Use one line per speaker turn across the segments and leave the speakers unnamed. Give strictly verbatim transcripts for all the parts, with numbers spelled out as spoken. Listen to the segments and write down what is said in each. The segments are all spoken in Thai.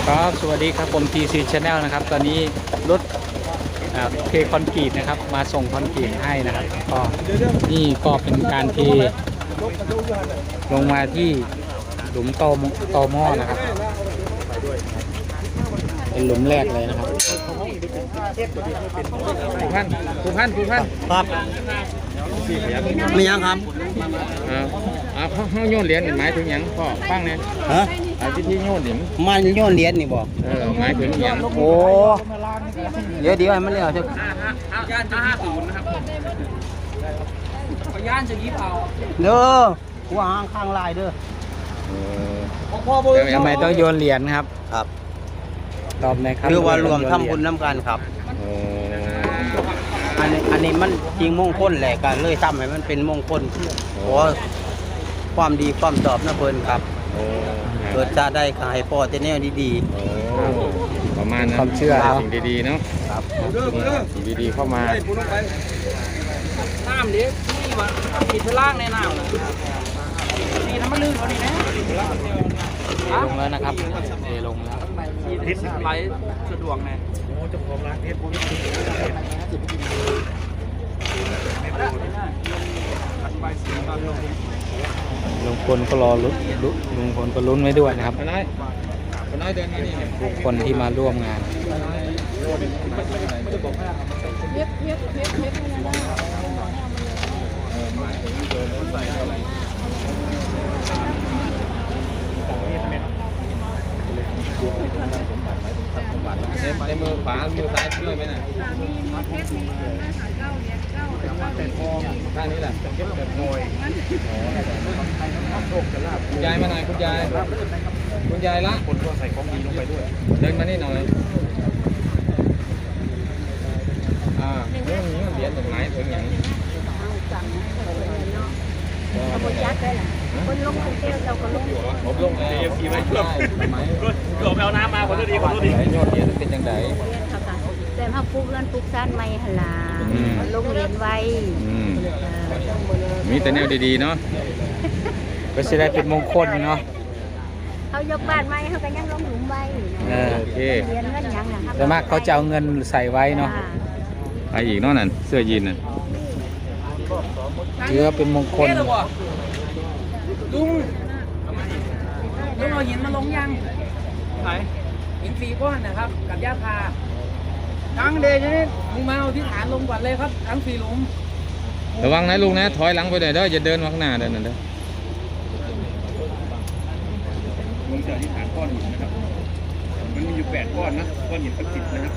ครับสวัสดีครับผม ที ซี Channel นะครับตอนนี้รถเทคอนกรีตนะครับมาส่งคอนกรีตให้นะครับก็นี่ก็เป็นการเทลงมาที่หลุมตอตอหม้อนะครับเป็นหลุมแรกเลยนะครับผู้พันผู้พันผู้พัน
ครับมียังครับ
เออเอาเขาโยนเหรียญหมายถึงยังพ่อฟังเนี่ย
ฮะ
ที่ที่โยนเหรียญ
มันโยนเหรียญนี่บอก
เออหมายถึงยัง
โอ้เดี๋ยวเดี๋ยวให้มันเรียกเถอะ
ย่านจะยี่ศูนย์นะครับย่านจะยี่เผา
เด้อหัวหางข้างลายเด้อ
ทำไมต้องโยนเหรียญครับ
ครับ
ตอบหน่อยครับ
คือว่ารวมทำบุญน้ำกันครับอันนี้อันนี้มันจริงมงคลแหละกันเลยทำให้มันเป็นมงคลเพราะความดีความชอบนะเพิ่นครับเกิดจะได้ขายพ่อจะแนวดี
ๆประมาณนั้นความเชื่อสิ่งดีๆเนาะครับสิ่งดีๆเข้ามา
น้ำเด็กนี่วะปิดพล่างในน้ำเลยนี่น้ำมันลื่นกว่านี้นะ
ลงแล้วนะครับเทลงแล้ว
ไหลสะดวกไงจะพร้อมร้านเพชร
ลุงพลก็รอลุ้นลุงพลก็ลุ้นไว้ด้วยนะครับทุกคนที่มาร่วมงาน
ในมือขวามือซ้ายช่วยไหมน่ะท่านี้แหละคุณยายมาหน่อยคุณยายคุณยายละคนก็ใส่ของดีลงไปด้วยเดินมานี่หน่อยอ่าเรื่องนี้เหรียญหนึ่งไม้ถึงอย่าง
คนยักษ์ได้หรอคนลงคนเที่ยวเราก็ลง
ผมลงแล้วขี่ไม้ช่วยไม้
เกือบเอาน้ำมาคนดีคนดี
ยอดเหรียญเป็นยังไง
แต่ถ้าปลูกเงินปลูกซ่านไม่หลาลงเรียนไว้
มีแต่แนวดีๆเนาะ
ก็จะได้เป็นมงคลเนาะ
เขายกบ้านไม้เขาก็ยังลงหลุมไว้
โอเค
เรียนเงินยังนะครับ
แต่มากเขาจะเอาเงินใส่ไว้เนาะ
ไปอีกเนาะนั่นเสื้อยีนน่ะ
ถือว่าเป็นมงคล
ลุงลุงเอาหินมาลงยังไหนหินสีก้อนนะครับกับหญ้าคาทั้งเดชนี่ลุงมาเอาที่ฐานลงก่อนเลยครับทั้งสี่หลุม
ระวังนะลุงนะถอยหลังไปหน่อยเด้ออย่าเดินมาข้างหน้าเดินนั่นเด้อ
ลุงจะที่ฐานก้อนหินนะครับมันมีอยู่แปดก้อนนะก้อนหินเป็นสิบนะครับ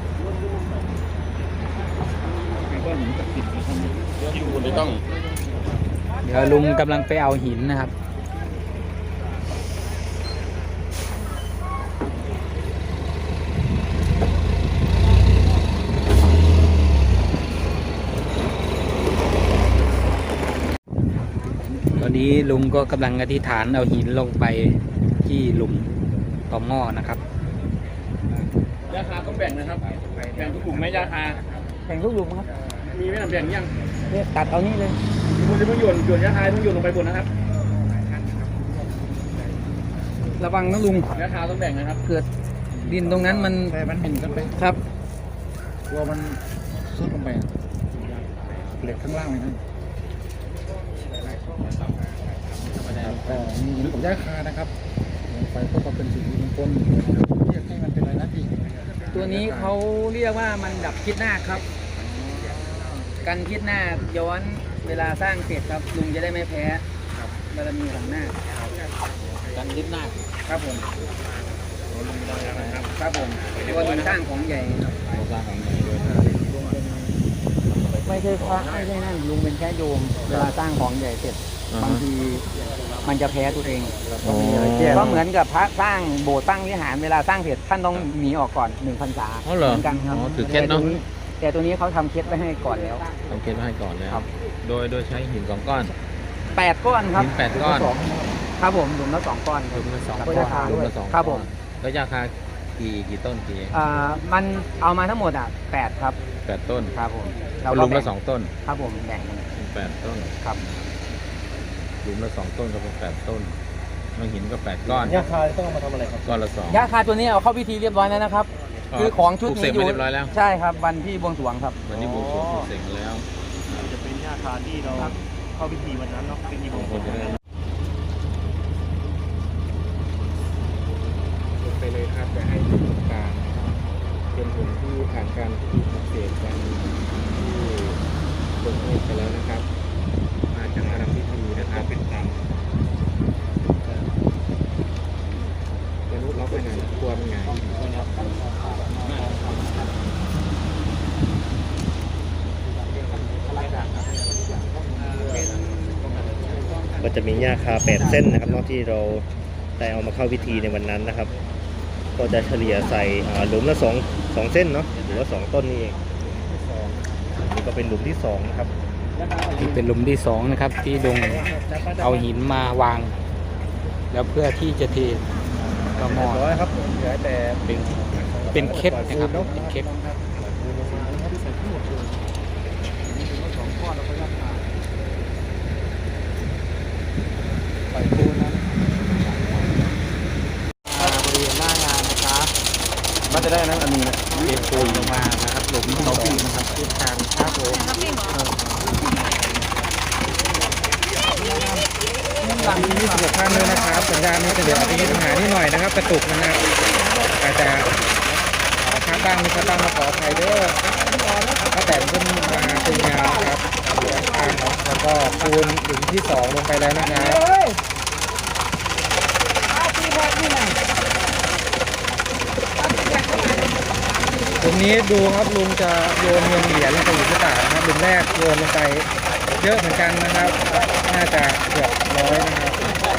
ก้อนหินเป็นสิบนะครับที่ลุงไม่ต้อง
เดี๋ยวลุงกำลังไปเอาหินนะครับตอนนี้ลุงก็กำลังอธิษฐานเอาหินลงไปที่หลุมต่อหม้อนะครับ
ยาคาต้องแบ่งนะครับแบ่งทุกกลุ่มไหมยาคา
แบ่งทุกหลุมครับ
มีไหมแบ่งยัง
เนี่ยตัดเอานี่เลย
คุณจะต้องโยนโยนยาคาต้องโยนลงไปบนนะครับระวังนะลุงยาคาต้องแบ่งนะครับเกิดดินตรงนั้นมัน
แต่มันหินกันไป
ครับ
กลัวมันซุดลงไปเหล็กข้างล่างเลยนะก็มีหรือกับยาคานะครับไฟก็เป็นสิ่งมงคลเรียกให้มันเป็นอะไรนะพี่
ตัวนี้เขาเรียกว่ามันดับคิดหน้าครับกันคิดหน้าย้อนเวลาสร้างเสร็จครับลุงจะได้ไม่แพ้บารมีหลังหน้า
กันคิดหน้า
ครับผมครับผมตัวลุงสร้างของใหญ่ครับไม่ใช่พระไม่ใช่นั่นลุงเป็นแค่โยมเวลาสร้างของใหญ่เสร็จบางทีมันจะแพ้ตัวเองก็เหมือนกับพระสร้างโบสถ์สร้างวิหารเวลาสร้างเสร็จท่านต้องหนีออกก่อนหนึ่งพรรษา
เหมือน
กันครับ
ถือเคล็ดเนาะ
แต่ตัวนี้เขาทำเคล็ดไว้ให้ก่อนแล้ว
ทำเคล็ดไว้ให้ก่อนแล้วโดยโดยใช้หินสองก้อน
แปดก้อนครับ
หินแปดก้อน
ครับผมหลุมละสองก้อน
หลุมละสองก้อนหลุมละสอง
ครับผม
แล้วยาคากี่กี่ต้นกี่
อ่ามันเอามาทั้งหมดอ่ะแปดครับ
แปดต้น
ครับผม
หลุมละสองต้น
ครับผมแบ่ง
แปดต้น
ครับ
หลุมละสองต้นก็เป็นแปดต้นมาหินก็แปดก้อน
ยาคาต้องเอามาทำอะไรครับ
ก้อนละสอง
ยาคาตัวนี้เอาเข้าพิธีเรียบร้อยแล้วนะครับ คือของชุด
ปลูกเส
นี้
ก
อยู่
มาเรียบร้อยแล้ว
ใช่ครับวันที่บวงสรวงครับ
วันนี้บวงสรวงปลูกเสกมาแล้ว
จะเป็นยาคาที่เราเข้าพิธีวันนั้นเนาะเป็นยีบงคล
ไปเลยครับจะให้ดูตรงกลางเป็นหุ่นที่ผ่านการพิธีปลุกเสกกันที่ลงเอยไปแล้วนะครับ มาจากการทำพิธีนะครับเป็นตามมนุษย์ล็อกไปไหนกลัวเป็นไง
ก็จะมีหญ้าคาแปดเส้นนะครับเนอกที่เราได้เอามาเข้าพิธีในวันนั้นนะครับ ก็จะเฉลี่ยใส่อ่าหลุมละสองสองเส้นเนาะหรือว่าสองต้นนี่เองนี่ก็เป็นหลุมที่สองนะครับ
นี่เป็นหลุมที่สองนะครับ ที่ดงเอาหินมาวาง แล้วเพื่อที่จะเทกระหมอด
ร้อยครับเหลือแต่
เป็นเป็นเคล็ดนะครับเป็นเคล็ด
ไปปูนนะ
บริเวณหน้างานนะครับมันจะได้นั้นอันนี้นะ
เทปูนลงมานะครับหลุมเขาปีนะครับทิศทางครับผม
หลังนี้
ยี่สิบหกท่านเลยนะครับสัญญาณนี้จะเดี๋ยวมีปัญหานิดหน่อยนะครับกระตุกนะครับอาจจะค้างบ้างมีค้างบ้างมาขออภัยเด้อก็แต่ขึ้นมาเป็นยาวครับเหลือข้างเนาะแล้วก็คูณหลุมที่สองลงไปแล้วนะครับตรงนี้ดูครับลุงจะโยนเงินเหรียญลงไปอยู่ที่ตานะครับหลุมแรกโยนลงไปเยอะเหมือนกันนะครับ น่าจะเกือบร้อยนะครับ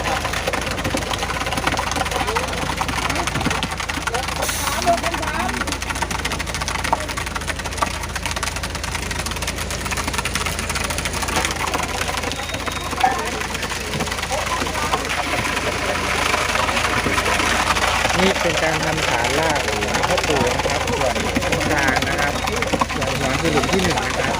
นี่เป็นการทำฐานรากข้าวปูนะครับส่วนตรงกลางนะครับส่วนหัวคือหลุมที่หนึ่งนะครับ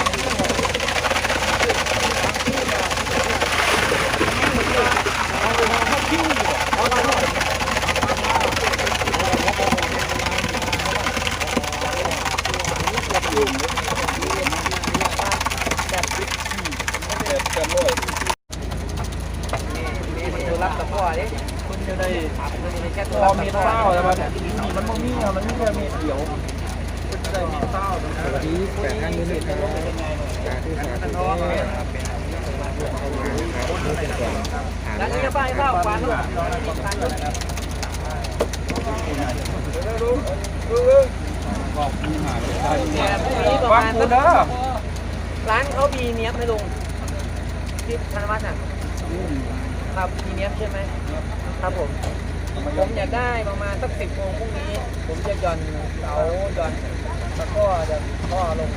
รับตะกั่วดิคุณจะได้แค่ตัว
พอมีเต้าแล้วมันมันไม่มีมันไม่แค่มีเขียวจะได้มีเต้า
สวัสดีแปดท่านนี้นะครับสาธุสาธุนะครับนี่เป็นส่วนฐาน
แล้ว
รา
นี่จะ
ก
ไปข้าวฟันลูก
วัดกูเด้อ
ร้านเขามีเนี้ยบไหมลุงที่ธนวัฒน์อ่ะครับมีเนี้ยบใช่ไหมครับผมผมอยากได้ประมาณสักสิบโมงพรุ่งนี้ ผมจะหย่อนเสาหย่อนแล้วก็จะข้อลง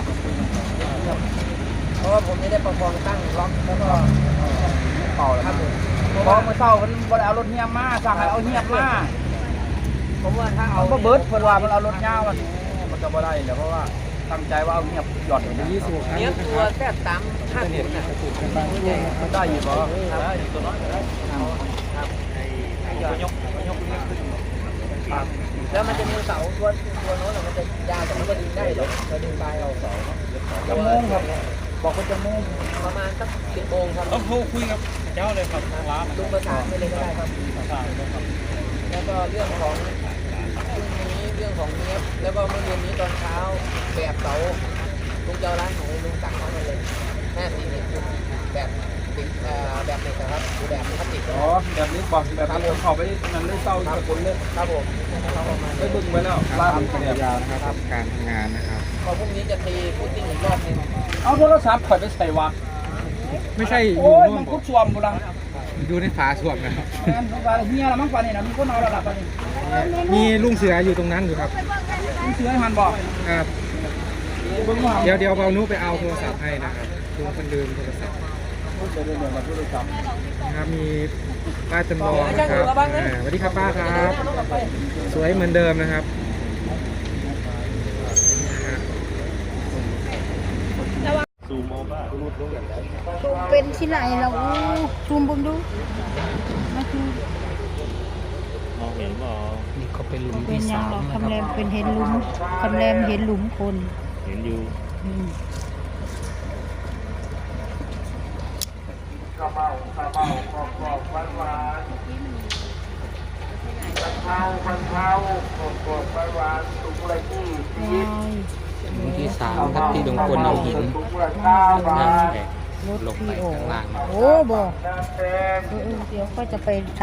เพราะว่าผมจะได้ประคองตั้งล็อกแล้วก็เป่าครับผมเพราะเมื่อเช้ามันบ่ได้เอารถเงียบมาสั่งให้เอาเงียบมาผมว่าถ้าเอาเบิร์ดเพิ่นว่ามันเอารถยาวมันมันจะบ่ได้เดี๋ยวเพราะว่าตั้งใจว่าเอาเงียบหย่อนอย่างนี้
ยี่สิบหกท่าน
เนี้ย
นะค
ตัว
รับ
แค่สามห้าสิบนะ
มันได้อยู่บ่ได้อยู่ตัวน้อยก็ได้
ครับหย่อนยกยกครับแล้วมันจะมีเสาตัวตัวโน้นมันจะยาวแต่มันก็ดึงได้เดี๋ยวเราดึงปลายเอาเสา
จะโมงครับบอกว่าจะโมง
ประมาณสักสิบโมงครับ
ต้องโทรคุยกับเจ้าเลยครับร้าน
ลุงประสานไปเลยก็ได้ครับ แล้วก็เรื่องของพรุ่งนี้เรื่องของเนี้ยบแล้วก็เมื่อเดือนนี้ตอนเช้าแบบเสาลุงเจ้าร้านของลุงสั่งเข้ามาเลยห้าสี่สิบแบบติดแบบเหล็กนะครับหรือแบบพลาสติก
อ๋อแบบนี้บอกแบบนี้เขาไปนั่นเลยเศร้าสกุลเลย
ครับผมเข้ามา
ไปบึ้งไปแล้ว
ค
ร้า
รั
น
บ
เนี่ย
ยาวนะครับการทำงานนะครับ
พอพรุ่งนี้จะตีพุตติ้งอีกรอบหนึง
เอาโทรศัพท์ข่อยไปใส่วะ
ไม่ใช่อ
โอ้
ยู่
ย
ร่ว
มั
ม
นคุกชวมกูดัง
อยู่ในฝาสวมนะครับ
งานของการเฮียละมั้งป่านนี้นะมีคนเอาระดับป่านนี้
มีลุงเสืออยู่ตรงนั้นอยู่ครับ
มีเสือให้มันบอก
ครับ
เบิ้งว่า
เดี๋ยวเดี๋ยวเอานุไปเอาโทรศัพท์ให้นะครับลุงคนลืมโทรศัพท์
จะเดินเดินมาโทรศัพท์
นะครับมีป้าจำลองนะครับอ่าสวัสดีครับป้าครับสวยเหมือนเดิมนะครับ
ซูมเอา
ซูมเป็นที่ไหนเราซูมเบิ่งดูมาคือ
มองเห็นบ่
นี่ก็เป็นหลุม
เป็น
ที่
ยั
สาง ม
เรา
นะ
คำแร
ค
ม
รับ
เป็นเห็นหลุมคำแรมเห็นหลุมคน
เห็นอยู่
อืม
หลุมที่สามครับที่ลุงพลเอาหินนะแบก
รถ
ลงไป
ที่โอ้
ข้างล่างนะ
โอ้บ่เออเออเดี๋ยวก็จะไปถาม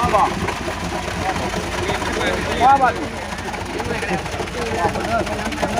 ว่าบ่